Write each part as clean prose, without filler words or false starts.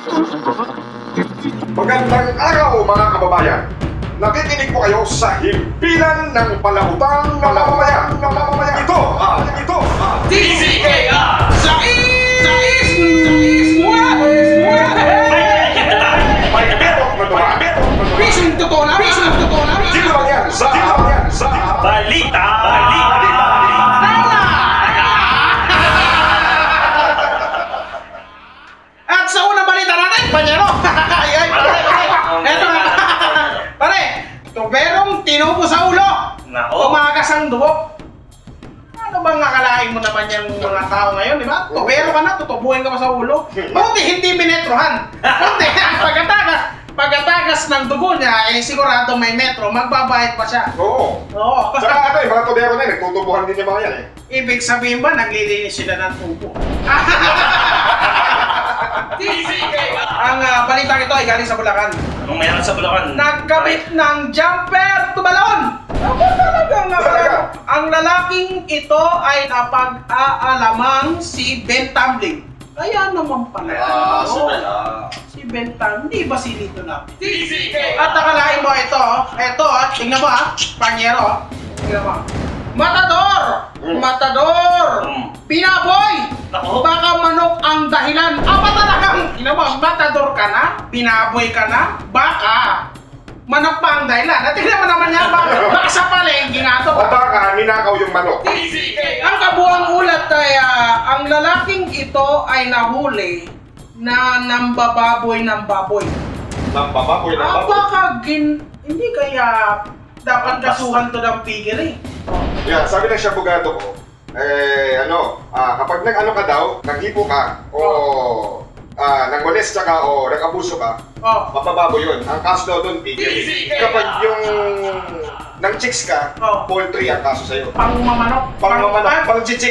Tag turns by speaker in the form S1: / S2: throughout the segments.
S1: Magandang araw mga kababayan! Nakikinig po kayo sa himpilan ng palautang ng mamamayan. Ito,
S2: DCKR! Pisong totoo na!
S1: Dito lang yan sa
S2: Balita! At sa unang balita natin, panyero! Eto na! Pare, tuberong tinubo sa ulo! Umagas ang dugo! Ano bang akalain mo naman yung mga tao ngayon, di ba? Tubero ka na, tutubuhin ka pa sa ulo. Buti hindi minetrohan. Buti, pagkatagas ng dugo niya, eh sigurado may metro, magbabayad pa siya.
S1: Oo. Saka ano mga tubero na nagtutubuhan din yung mga yan
S2: Ibig sabihin ba, naglilinis sila ng tubo? Ang balitang ito ay galing sa Bulacan.
S3: Anong meron sa Bulacan?
S2: Nagkabit ng jumper tumalon! Ang lalaking ito ay napag-aalamang si Ben Tumbling. Kaya naman pala. Si Ben Tumbling, di ba si Lito na? At akalain mo ito, tingnan mo panyero, tingnan mo. Matador! Pinaboy! Baka manok ang dahilan. Ba talagang, matador ka na? Pinaboy ka na? Baka manok pa ang dahilan. At tingnan mo naman yan, baka sa palengke nga ito.
S1: O baka ninakaw yung manok.
S2: Ang kabuang ulat ay ang lalaking ito ay nahuli na nambababoy ng baboy.
S1: Nambababoy ng baboy?
S2: Baka hindi kaya dapat kasuhan to ng pigil
S1: Yeah, sabi ng Siyabugado ko, kapag nag-ano ka daw, naghipo ka, o nag-molesta ka, o nag-abuso ka, mapababoy yun. Ang kaso daw doon, pigil. Kapag yung nang-chicks ka, poultry ang kaso sa'yo.
S2: Pangmamanok.
S1: Pang-chicks.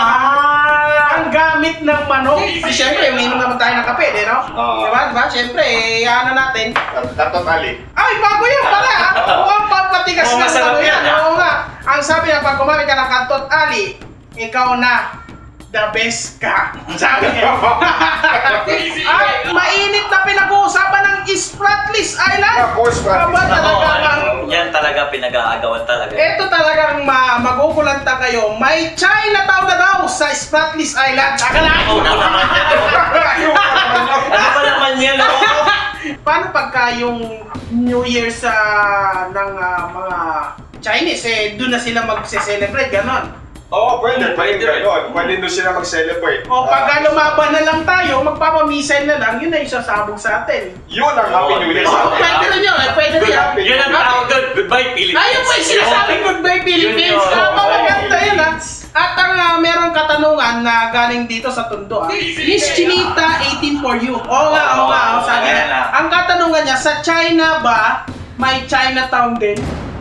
S2: Ang gamit ng manok. Siyempre, uminom naman tayo ng kape, di no? Diba? Siyempre, ano natin?
S1: Tatot ali.
S2: Ay, bago yan pala! Mukhang pagpatigas na ano yan. Oo nga. Ang sabi na pag kumamit ka ng kantot ali, ikaw na the best ka. Sabi niya. At mainit na pinag-uusapan ng Spratlys Island.
S3: Yan talaga pinag-aagawan talaga.
S2: Ito talagang magugulanta kayo. May Chinatown na daw sa Spratlys Island. Akalain mo naman.
S3: Ano ba naman yan?
S2: Paano pagka yung New Year ng mga Chinese, doon na sila magse-celebrate, ganon?
S1: Oo, pwede doon sila mag-celebrate.
S2: O pagka lumaban na lang tayo, magpapamisay na lang, yun ay sasabog sa atin.
S1: Yun ang Happy New Year sa atin.
S2: Pwede rin yun, pwede rin yan.
S3: Yun ang tawag doon, Goodbye Philippines.
S2: Ayun pa yung sinasabing Goodbye Philippines. Maganda yun At ang merong katanungan na galing dito sa Tondo Miss Chinita, 18 for you. Oo nga, sabi niya. Ang katanungan niya, sa China ba may Chinatown din?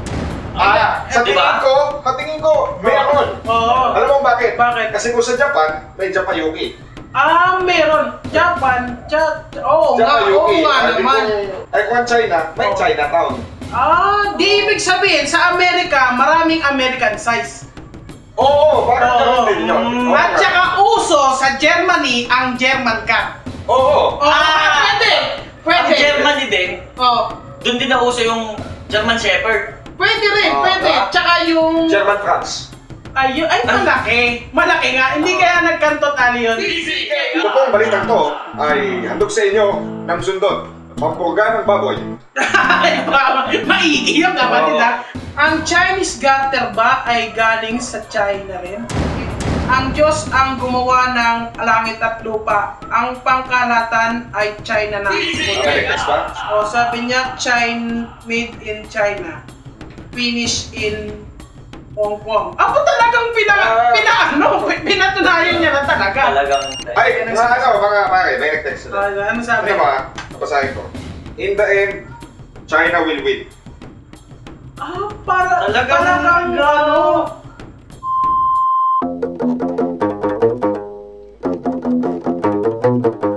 S1: Sa tingin ko, meron. Alam mo bakit?
S2: Bakit?
S1: Kasi kung sa Japan, may Japayuki.
S2: Meron. Japan, oo nga naman.
S1: Ay kung China, may Chinatown.
S2: Di ibig sabihin, sa Amerika, maraming American size.
S1: Oo, parang gano'n din yun.
S2: At saka uso sa Germany ang German Cat.
S1: Oo.
S2: Pwede.
S3: Ang Germany din,
S2: doon
S3: din nauso yung German Shepherd.
S2: Pwede rin. Tsaka yung
S1: German France.
S2: Ay, malaki. Malaki nga. Hindi kaya nagkantot ali yun.
S1: Ito pong balitang to ay handog sa inyo ng sundot. Pampurga ng baboy.
S2: Maigi yung kapatid Ang Chinese gutter ba ay galing sa China rin? Ang Diyos ang gumawa ng langit at lupa. Ang pangkalatan ay China na. Sabi niya, made in China. Finish in Hong Kong. Talagang pinatunayan niya na talaga.
S1: Ay, mga pare, may nag-text na.
S2: Ano sabi?
S1: Napasahin ko. In the end, China will win.
S2: Talagang gano.